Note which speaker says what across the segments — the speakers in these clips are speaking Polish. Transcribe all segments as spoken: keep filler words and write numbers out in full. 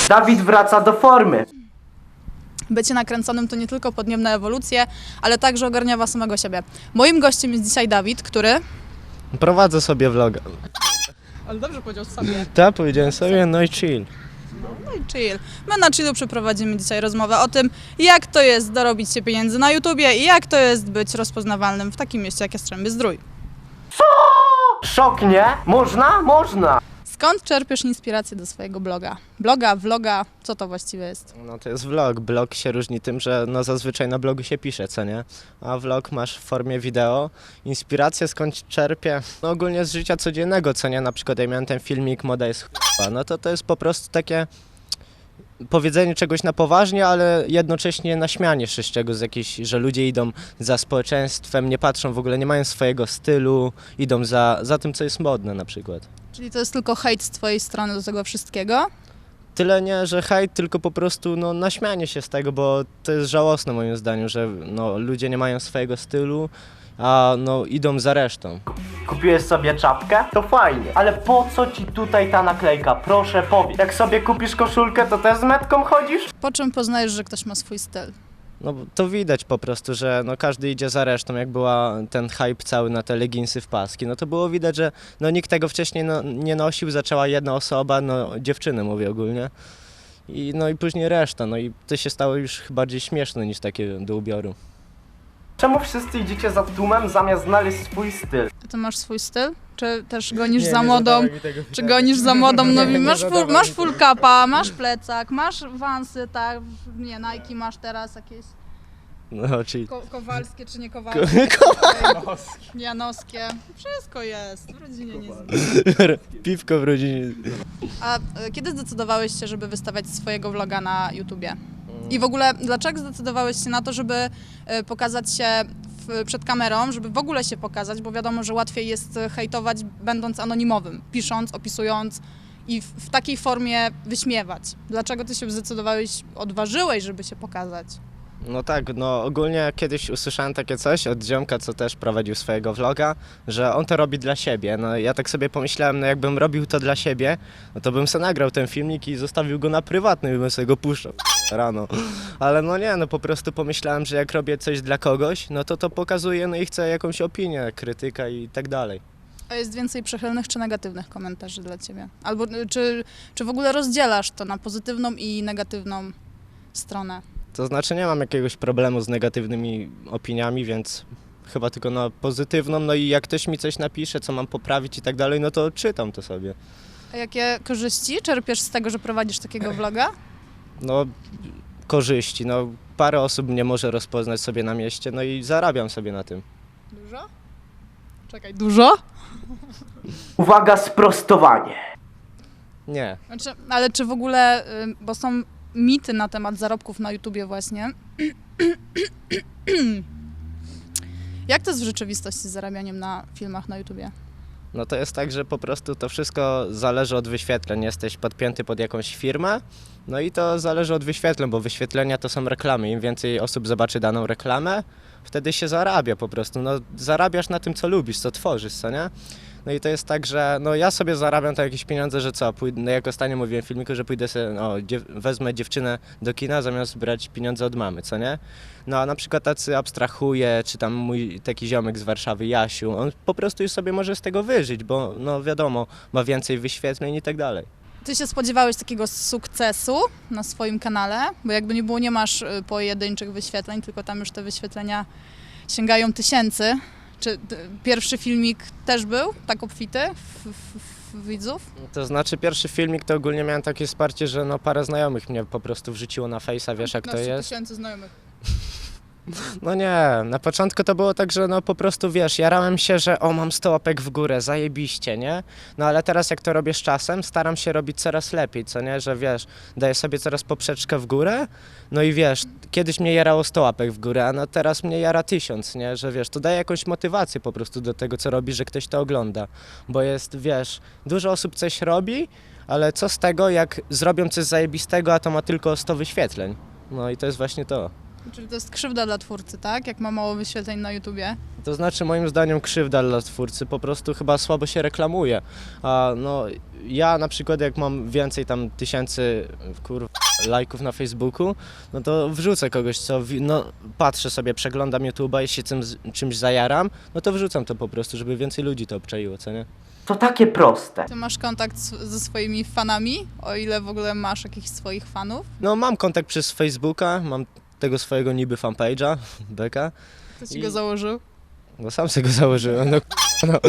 Speaker 1: Dawid wraca do formy.
Speaker 2: Bycie nakręconym to nie tylko podniebna ewolucję, ale także ogarniawa samego siebie. Moim gościem jest dzisiaj Dawid, który...
Speaker 3: Prowadzę sobie vloga.
Speaker 2: Ale dobrze powiedział sobie.
Speaker 3: Tak, powiedziałem sobie, no i chill.
Speaker 2: No i chill. My na chillu przeprowadzimy dzisiaj rozmowę o tym, jak to jest dorobić się pieniędzy na YouTubie i jak to jest być rozpoznawalnym w takim mieście jak Jastrzębie-Zdrój.
Speaker 1: Szok, nie? Można? Można.
Speaker 2: Skąd czerpiesz inspirację do swojego bloga? Bloga, vloga, co to właściwie jest?
Speaker 3: No to jest vlog. Blog się różni tym, że no zazwyczaj na blogu się pisze, co nie? A vlog masz w formie wideo. Inspirację skąd czerpię? No ogólnie z życia codziennego, co nie? Na przykład ja miałem ten filmik Moda jest ch**a. No to to jest po prostu takie powiedzenie czegoś na poważnie, ale jednocześnie naśmianie się z czegoś, z jakiejś, że ludzie idą za społeczeństwem, nie patrzą w ogóle, nie mają swojego stylu, idą za, za tym, co jest modne na przykład.
Speaker 2: Czyli to jest tylko hejt z twojej strony do tego wszystkiego?
Speaker 3: Tyle nie, że hejt, tylko po prostu no, naśmianie się z tego, bo to jest żałosne moim zdaniem, że no, ludzie nie mają swojego stylu, a no, idą za resztą.
Speaker 1: Kupiłeś sobie czapkę? To fajnie. Ale po co ci tutaj ta naklejka? Proszę powiedz. Jak sobie kupisz koszulkę, to też z metką chodzisz?
Speaker 2: Po czym poznajesz, że ktoś ma swój styl?
Speaker 3: No to widać po prostu, że no, każdy idzie za resztą, jak była ten hype cały na te leginsy w paski, no to było widać, że no, nikt tego wcześniej no, nie nosił, zaczęła jedna osoba, no dziewczyny mówię ogólnie. I, no i później reszta, no i to się stało już bardziej śmieszne niż takie do ubioru.
Speaker 1: Czemu wszyscy idziecie za tłumem zamiast znaleźć swój styl?
Speaker 2: A ty masz swój styl? Czy też gonisz za modą? Czy gonisz za modą? No,
Speaker 3: Nie, nie
Speaker 2: masz,
Speaker 3: zadawaj
Speaker 2: full, masz
Speaker 3: mi
Speaker 2: full capa, masz plecak, masz wansy, tak? Nie, Nike masz teraz jakieś
Speaker 3: No czyli...
Speaker 2: ko kowalskie czy nie kowalskie? Janowskie. Janowskie. Wszystko jest. W rodzinie nie jest.
Speaker 3: Piwko w rodzinie.
Speaker 2: A e, kiedy zdecydowałeś się, żeby wystawiać swojego vloga na YouTubie? I w ogóle dlaczego zdecydowałeś się na to, żeby e, pokazać się w, przed kamerą, żeby w ogóle się pokazać, bo wiadomo, że łatwiej jest hejtować będąc anonimowym, pisząc, opisując i w, w takiej formie wyśmiewać. Dlaczego ty się zdecydowałeś, odważyłeś, żeby się pokazać?
Speaker 3: No tak, no ogólnie kiedyś usłyszałem takie coś od ziomka, co też prowadził swojego vloga, że on to robi dla siebie. No ja tak sobie pomyślałem, no jakbym robił to dla siebie, no to bym sobie nagrał ten filmik i zostawił go na prywatny i bym sobie go puszczał rano. Ale no nie, no po prostu pomyślałem, że jak robię coś dla kogoś, no to to pokazuje, no i chcę jakąś opinię, krytyka i tak dalej.
Speaker 2: A jest więcej przychylnych czy negatywnych komentarzy dla ciebie? Albo y, czy, czy w ogóle rozdzielasz to na pozytywną i negatywną stronę?
Speaker 3: To znaczy nie mam jakiegoś problemu z negatywnymi opiniami, więc chyba tylko na pozytywną, no i jak ktoś mi coś napisze, co mam poprawić i tak dalej, no to czytam to sobie.
Speaker 2: A jakie korzyści czerpiesz z tego, że prowadzisz takiego vloga?
Speaker 3: No korzyści, no parę osób mnie może rozpoznać sobie na mieście, no i zarabiam sobie na tym.
Speaker 2: Dużo? Czekaj, dużo?
Speaker 1: Uwaga, sprostowanie.
Speaker 3: Nie.
Speaker 2: Znaczy, ale czy w ogóle, y, bo są mity na temat zarobków na YouTubie właśnie. Jak to jest w rzeczywistości z zarabianiem na filmach na YouTubie?
Speaker 3: No to jest tak, że po prostu to wszystko zależy od wyświetleń. Jesteś podpięty pod jakąś firmę, no i to zależy od wyświetleń, bo wyświetlenia to są reklamy. Im więcej osób zobaczy daną reklamę, wtedy się zarabia po prostu. No zarabiasz na tym, co lubisz, co tworzysz, co nie? No i to jest tak, że no ja sobie zarabiam tak jakieś pieniądze, że co, pójdę, no jak ostatnio mówiłem w filmiku, że pójdę sobie, no dziew wezmę dziewczynę do kina zamiast brać pieniądze od mamy, co nie? No a na przykład tacy abstrahuje, czy tam mój taki ziomek z Warszawy, Jasiu, on po prostu już sobie może z tego wyżyć, bo no wiadomo, ma więcej wyświetleń i tak dalej.
Speaker 2: Ty się spodziewałeś takiego sukcesu na swoim kanale? Bo jakby nie było, nie masz y, pojedynczych wyświetleń, tylko tam już te wyświetlenia sięgają tysięcy. Czy y, pierwszy filmik też był tak obfity w, w, w widzów?
Speaker 3: To znaczy pierwszy filmik to ogólnie miałem takie wsparcie, że no parę znajomych mnie po prostu wrzuciło na Face'a, wiesz jak to jest?
Speaker 2: tysięcy znajomych.
Speaker 3: No nie, na początku to było tak, że no po prostu wiesz, jarałem się, że o mam sto łapek w górę, zajebiście, nie? No ale teraz jak to robię z czasem, staram się robić coraz lepiej, co nie? Że wiesz, daję sobie coraz poprzeczkę w górę, no i wiesz, kiedyś mnie jarało sto łapek w górę, a no teraz mnie jara tysiąc, nie? Że wiesz, to daje jakąś motywację po prostu do tego, co robi, że ktoś to ogląda, bo jest, wiesz, dużo osób coś robi, ale co z tego, jak zrobią coś zajebistego, a to ma tylko sto wyświetleń? No i to jest właśnie to.
Speaker 2: Czyli to jest krzywda dla twórcy, tak? Jak ma mało wyświetleń na YouTubie.
Speaker 3: To znaczy moim zdaniem krzywda dla twórcy, po prostu chyba słabo się reklamuje. A no ja na przykład jak mam więcej tam tysięcy kur... lajków na Facebooku, no to wrzucę kogoś, co wi- no, patrzę sobie, przeglądam YouTube'a i się tym, czymś zajaram, no to wrzucam to po prostu, żeby więcej ludzi to obczaiło, co nie?
Speaker 1: To takie proste.
Speaker 2: Ty masz kontakt z, ze swoimi fanami, o ile w ogóle masz jakichś swoich fanów?
Speaker 3: No mam kontakt przez Facebooka, mam tego swojego niby fanpage'a, beka,
Speaker 2: Kto ci
Speaker 3: I-
Speaker 2: go założył?
Speaker 3: bo sam sobie go założyłem, no no.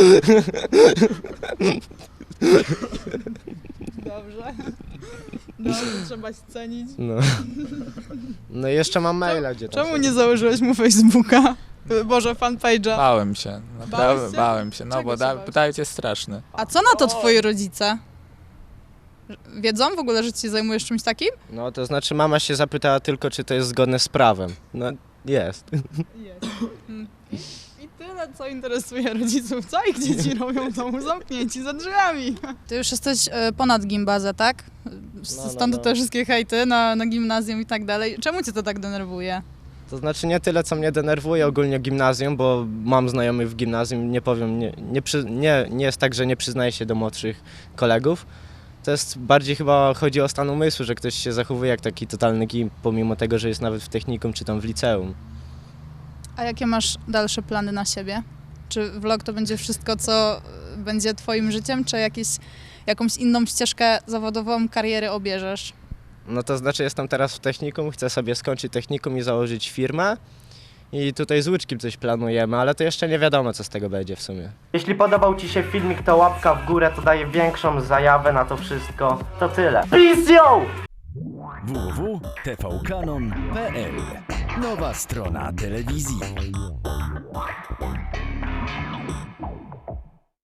Speaker 2: Dobrze. Dobrze, trzeba się cenić.
Speaker 3: No. No i jeszcze mam maila, gdzie tam
Speaker 2: Czemu
Speaker 3: sobie-
Speaker 2: nie założyłeś mu Facebooka? Boże, fanpage'a.
Speaker 4: Bałem się,
Speaker 2: Bałeś
Speaker 4: naprawdę
Speaker 2: się?
Speaker 4: bałem się, no
Speaker 2: Czego
Speaker 4: bo
Speaker 2: się
Speaker 4: da,
Speaker 2: bałeś?
Speaker 4: Dawid jest straszny.
Speaker 2: A co na to twoi rodzice? Wiedzą w ogóle, że ci się zajmujesz czymś takim?
Speaker 3: No to znaczy mama się zapytała tylko, czy to jest zgodne z prawem. No jest.
Speaker 2: Jest. I tyle, co interesuje rodziców. Co ich dzieci robią w domu zamknięci za drzwiami? Ty już jesteś e, ponad gimbazę, tak? S-
Speaker 3: No, no,
Speaker 2: Stąd
Speaker 3: no.
Speaker 2: te wszystkie hejty na, na gimnazjum i tak dalej. Czemu cię to tak denerwuje?
Speaker 3: To znaczy nie tyle, co mnie denerwuje ogólnie gimnazjum, bo mam znajomych w gimnazjum, nie powiem, nie, nie, przy, nie, nie jest tak, że nie przyznaję się do młodszych kolegów. To jest bardziej chyba chodzi o stan umysłu, że ktoś się zachowuje jak taki totalny gimp, pomimo tego, że jest nawet w technikum czy tam w liceum.
Speaker 2: A jakie masz dalsze plany na siebie? Czy vlog to będzie wszystko, co e, będzie twoim życiem, czy jakieś, jakąś inną ścieżkę zawodową, kariery obierzesz?
Speaker 3: No to znaczy jestem teraz w technikum, chcę sobie skończyć technikum i założyć firmę. I tutaj z Łyczkiem coś planujemy, ale to jeszcze nie wiadomo, co z tego będzie w sumie.
Speaker 1: Jeśli podobał ci się filmik, to łapka w górę, to daje większą zajawę na to wszystko. To tyle. Peace yo!
Speaker 5: w w w kropka t v kanon kropka p l. Nowa strona telewizji.